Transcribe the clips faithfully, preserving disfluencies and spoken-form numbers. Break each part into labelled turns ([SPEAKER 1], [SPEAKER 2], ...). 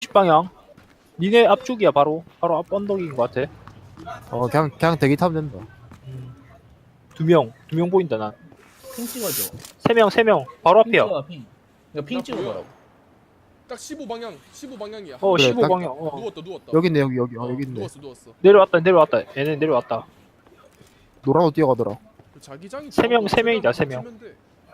[SPEAKER 1] 육십 방향. 니네 앞쪽이야 바로. 바로 앞 언덕인 것 같아.
[SPEAKER 2] 어 그냥 그냥 대기 타면 된다.
[SPEAKER 1] 두 명. 두 명 보인다 난.
[SPEAKER 3] 핑 찍어줘.
[SPEAKER 1] 세 명, 세 명. 바로
[SPEAKER 3] 핑
[SPEAKER 1] 앞이야.
[SPEAKER 3] 찍어 핑. 이거 핑
[SPEAKER 4] 나
[SPEAKER 3] 찍어보라고.
[SPEAKER 4] 딱 십오 방향, 십오 방향이야.
[SPEAKER 1] 어,
[SPEAKER 2] 그래,
[SPEAKER 1] 십오
[SPEAKER 2] 딱-
[SPEAKER 1] 방향. 어.
[SPEAKER 4] 누웠다, 누웠다.
[SPEAKER 2] 여기 있네 여기 여기 어,
[SPEAKER 4] 어,
[SPEAKER 2] 여기 있네.
[SPEAKER 4] 누웠어, 누웠어.
[SPEAKER 1] 내려왔다, 내려왔다. 얘네 내려왔다.
[SPEAKER 2] 노란 옷 뛰어가더라.
[SPEAKER 4] 그 자기장이
[SPEAKER 1] 세 명,
[SPEAKER 4] 좋아서
[SPEAKER 1] 세 명이다, 세
[SPEAKER 4] 최대한
[SPEAKER 1] 명.
[SPEAKER 4] 버티면 돼.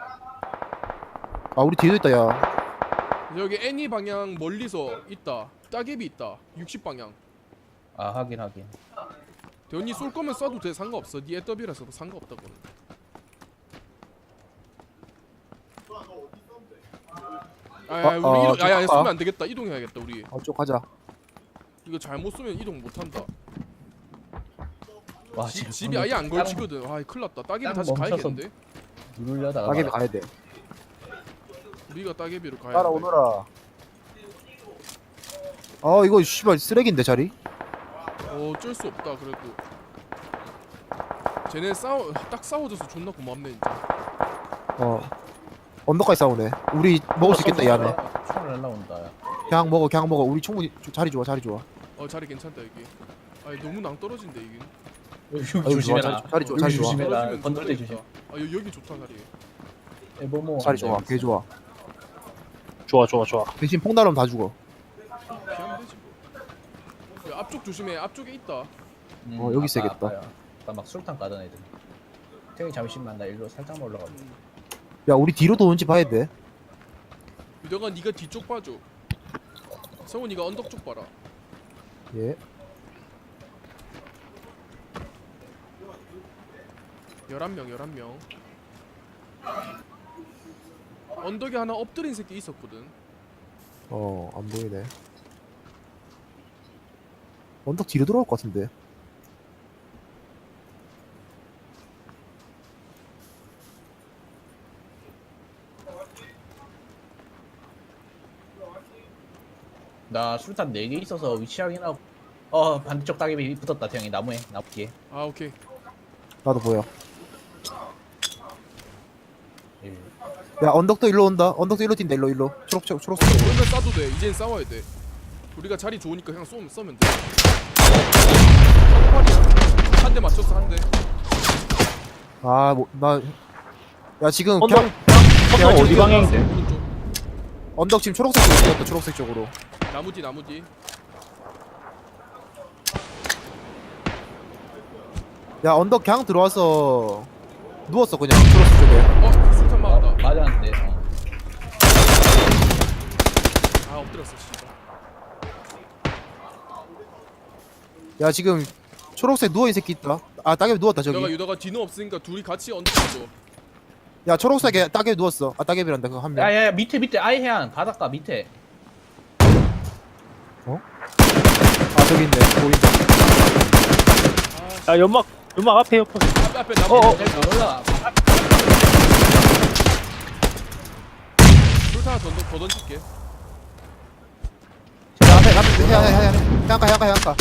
[SPEAKER 2] 아 우리 뒤에도 있다 야.
[SPEAKER 4] 여기 애니 방향 멀리서 있다. 따개비 있다. 육십 방향.
[SPEAKER 3] 아 하긴 하긴.
[SPEAKER 4] 대현이 쏠 거면 쏴도 돼. 상관없어. 니 애더비라서도 상관없다고. 아야
[SPEAKER 2] 어,
[SPEAKER 4] 우리
[SPEAKER 2] 어,
[SPEAKER 4] 이동, 야야
[SPEAKER 2] 좀
[SPEAKER 4] 쏘면
[SPEAKER 2] 아까.
[SPEAKER 4] 안 되겠다. 이동해야겠다 우리.
[SPEAKER 2] 어 쪽 가자.
[SPEAKER 4] 이거 잘못 쏘면 이동 못 한다.
[SPEAKER 3] 와
[SPEAKER 4] 집,
[SPEAKER 3] 지금
[SPEAKER 4] 집이 아예 안 걸치거든. 아, 큰일 났다. 따개비
[SPEAKER 3] 땅
[SPEAKER 4] 다시
[SPEAKER 3] 멈춰서
[SPEAKER 4] 가야겠는데.
[SPEAKER 3] 누르려다가
[SPEAKER 2] 따개비 가야 돼.
[SPEAKER 4] 우리가 따개비로 가야 돼.
[SPEAKER 2] 따라오너라. 어 이거 씨발 쓰레기인데 자리.
[SPEAKER 4] 어, 어쩔 수 없다. 그래도 쟤네 싸워 딱 싸워줘서 존나 고맙네 진짜.
[SPEAKER 2] 어 언덕까지 싸우네. 우리 먹을 수 있겠다 이 안에.
[SPEAKER 3] 총알 날라온다. 야.
[SPEAKER 2] 그냥 먹어 그냥 먹어. 우리 충분히 자리 좋아 자리 좋아.
[SPEAKER 4] 어, 자리 괜찮다 여기. 아니 너무 낭떨어진데 이게.
[SPEAKER 3] 여기
[SPEAKER 2] 아이고, 좋아,
[SPEAKER 3] 조심해라.
[SPEAKER 2] 자리, 자리 좋아
[SPEAKER 3] 여기
[SPEAKER 2] 자리 좋아.
[SPEAKER 3] 조심해라.
[SPEAKER 4] 떨어지면
[SPEAKER 3] 건들 때
[SPEAKER 4] 좋겠다.
[SPEAKER 3] 조심.
[SPEAKER 4] 아, 여, 여기 좋다 자리.
[SPEAKER 3] 에버모.
[SPEAKER 2] 자리 좋아 개 좋아.
[SPEAKER 1] 좋아, 좋아, 좋아.
[SPEAKER 2] 대신 폭 날으면 다 죽어.
[SPEAKER 4] 피하면 되지 뭐. 야, 앞쪽 조심해. 앞쪽에 있다.
[SPEAKER 3] 음,
[SPEAKER 2] 어, 여기 있어야겠다.
[SPEAKER 3] 아까 막 술탄 까던 애들. 태이 잠시만 나 일로 살짝만 올라가.
[SPEAKER 4] 음.
[SPEAKER 2] 야 우리 뒤로 도는지 봐야 돼.
[SPEAKER 4] 유덕아 네가 뒤쪽 봐줘. 성훈이가 언덕 쪽 봐라.
[SPEAKER 2] 예.
[SPEAKER 4] 열한 명 열한 명. 언덕에 하나 엎드린 새끼 있었거든.
[SPEAKER 2] 어 안 보이네. 언덕 뒤로 돌아올 것 같은데.
[SPEAKER 3] 나 술탄 네 개 있어서 위치 확인하고. 어 반대쪽 따개비 붙었다 태형이 나무에 나무 뒤에.
[SPEAKER 4] 아, 오케이.
[SPEAKER 2] 나도 보여.
[SPEAKER 3] 예.
[SPEAKER 2] 야 언덕도 일로 온다. 언덕도 일로 뛴다. 일로 일로. 초록색 초록색.
[SPEAKER 4] 오면 싸도 돼. 이젠 싸워야 돼. 우리가 자리 좋으니까 그냥 쏘면 쏘면 돼. 한 대 맞췄어 한 대.
[SPEAKER 2] 아뭐나 야 지금
[SPEAKER 1] 언덕,
[SPEAKER 2] 그냥
[SPEAKER 1] 언덕 어디
[SPEAKER 2] 지금
[SPEAKER 1] 방향인데?
[SPEAKER 4] 오른쪽.
[SPEAKER 2] 언덕 지금 초록색 쪽으로 뛰었다. 초록색 쪽으로.
[SPEAKER 4] 나무 뒤 나무 뒤.
[SPEAKER 2] 야 언덕 그냥 들어와서 누웠어 그냥 초록색 쪽에.
[SPEAKER 4] 어, 술탄
[SPEAKER 3] 아,
[SPEAKER 4] 맞았다.
[SPEAKER 3] 맞았는데. 어.
[SPEAKER 4] 아, 엎드렸어 씨발.
[SPEAKER 2] 야 지금 초록색 누워있는 새끼 있다. 아 따개비 누웠다
[SPEAKER 4] 유덕아
[SPEAKER 2] 저기.
[SPEAKER 4] 유덕아 뒤는 없으니까 둘이 같이 언덕 가줘.
[SPEAKER 2] 야 초록색에 따개비 누웠어. 아 따개비란다 그거 한 명.
[SPEAKER 3] 야야야 밑에 밑에 아예 해안 바닷가 밑에.
[SPEAKER 2] 아 저기 있네. 보인다.
[SPEAKER 1] 야, 연막, 연막 앞에 옆에.
[SPEAKER 4] 앞에 앞에 나무.
[SPEAKER 1] 어, 어.
[SPEAKER 4] 뒤.
[SPEAKER 3] 여기 올라가.
[SPEAKER 4] 술탄 하나 더, 던- 더 던질게.
[SPEAKER 2] 야 앞에 앞에 해야 해야 해야 해안가 해안가 해안가.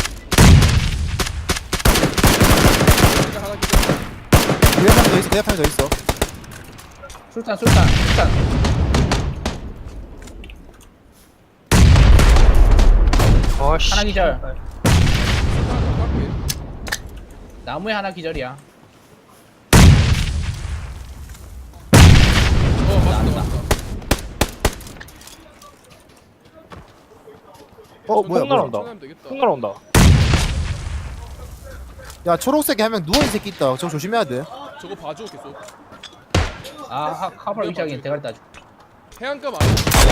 [SPEAKER 4] 술탄 하나 기다려.
[SPEAKER 2] 내 옆에 더 있어. 내 옆에 더 있어.
[SPEAKER 3] 술탄 술탄 술탄.
[SPEAKER 1] 아, 씨.
[SPEAKER 3] 하나 기절.
[SPEAKER 4] 술탄 하나 더 깎게.
[SPEAKER 3] 나무에 하나 기절이야.
[SPEAKER 4] 어, 맞다 맞다.
[SPEAKER 2] 어 뭐야
[SPEAKER 1] 폭
[SPEAKER 2] 뭐야.
[SPEAKER 1] 날아온다.
[SPEAKER 4] 천천히 하면 되겠다.
[SPEAKER 1] 폭 날아온다.
[SPEAKER 2] 야 초록색에 한 명 누워있는 새끼 있다. 저거 조심해야 돼.
[SPEAKER 4] 저거 봐줘 계속.
[SPEAKER 3] 아 하- 카발 위치 확인 대가리 따줘.
[SPEAKER 4] 해안가 맞아.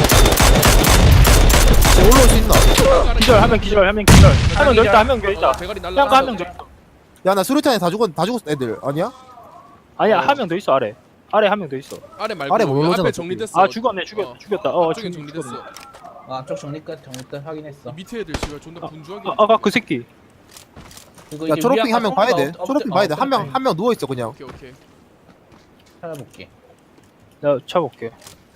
[SPEAKER 2] 쟤 올라올 수 있나?
[SPEAKER 1] 기절, 한 명 기절, 한 명 기절. 한 명 더 있다, 한 명 더
[SPEAKER 4] 어,
[SPEAKER 1] 있다.
[SPEAKER 4] 대가리 날라.
[SPEAKER 1] 해안가 한 명 더 있다.
[SPEAKER 2] 야 나 수류탄에 다 죽었 다 죽었어 애들 아니야?
[SPEAKER 1] 아니야,
[SPEAKER 4] 어.
[SPEAKER 1] 한 명 더 있어, 아래. 아래 한 명 더 있어.
[SPEAKER 4] 아래 말고
[SPEAKER 2] 아래 못
[SPEAKER 4] 여기
[SPEAKER 2] 오잖아,
[SPEAKER 4] 앞에
[SPEAKER 2] 어차피.
[SPEAKER 4] 정리됐어.
[SPEAKER 1] 아, 죽었네, 죽였,
[SPEAKER 4] 어.
[SPEAKER 1] 죽였다. 어,
[SPEAKER 4] 앞쪽에
[SPEAKER 1] 죽-
[SPEAKER 4] 정리됐어.
[SPEAKER 1] 죽었네.
[SPEAKER 3] 아, 앞쪽 정리 끝 정리 끝 확인했어.
[SPEAKER 4] 이 밑에 애들 씨발 존나 분주하게.
[SPEAKER 1] 아, 아까 그 새끼.
[SPEAKER 3] 그리고
[SPEAKER 2] 야
[SPEAKER 3] 이제
[SPEAKER 2] 초록핑
[SPEAKER 3] 우리
[SPEAKER 2] 한 명
[SPEAKER 3] 아까
[SPEAKER 2] 봐야 돼.
[SPEAKER 3] 엎드-
[SPEAKER 2] 초록핑
[SPEAKER 3] 엎드-
[SPEAKER 2] 봐야 돼.
[SPEAKER 3] 어,
[SPEAKER 2] 한 명
[SPEAKER 3] 엎드려.
[SPEAKER 2] 한 명 누워 있어 그냥.
[SPEAKER 4] 오케이 오케이.
[SPEAKER 3] 찾아볼게.
[SPEAKER 1] 내가 쳐볼게.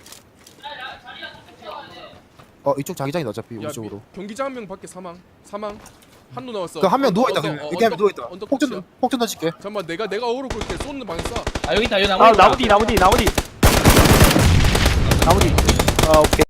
[SPEAKER 2] 어 이쪽 자기장이다 어차피
[SPEAKER 4] 야,
[SPEAKER 2] 우리 쪽으로.
[SPEAKER 4] 미, 경기장 한 명 밖에 사망. 사망. 한노 나왔어.
[SPEAKER 2] 그 한 명
[SPEAKER 4] 언덕,
[SPEAKER 2] 누워 있다.
[SPEAKER 4] 언덕,
[SPEAKER 2] 그냥
[SPEAKER 4] 어,
[SPEAKER 2] 이렇게 하면
[SPEAKER 4] 언덕,
[SPEAKER 2] 누워 있다.
[SPEAKER 4] 언덕
[SPEAKER 2] 폭전
[SPEAKER 4] 끝이야.
[SPEAKER 2] 폭전 던질게.
[SPEAKER 4] 잠깐만 내가 내가 어그로 끌게 쏘는 방에 쏴.
[SPEAKER 3] 아 여기 있다 여기 나무.
[SPEAKER 1] 아, 나무 뒤, 나무 뒤, 나무 뒤. 나무 뒤. 아, 오케이.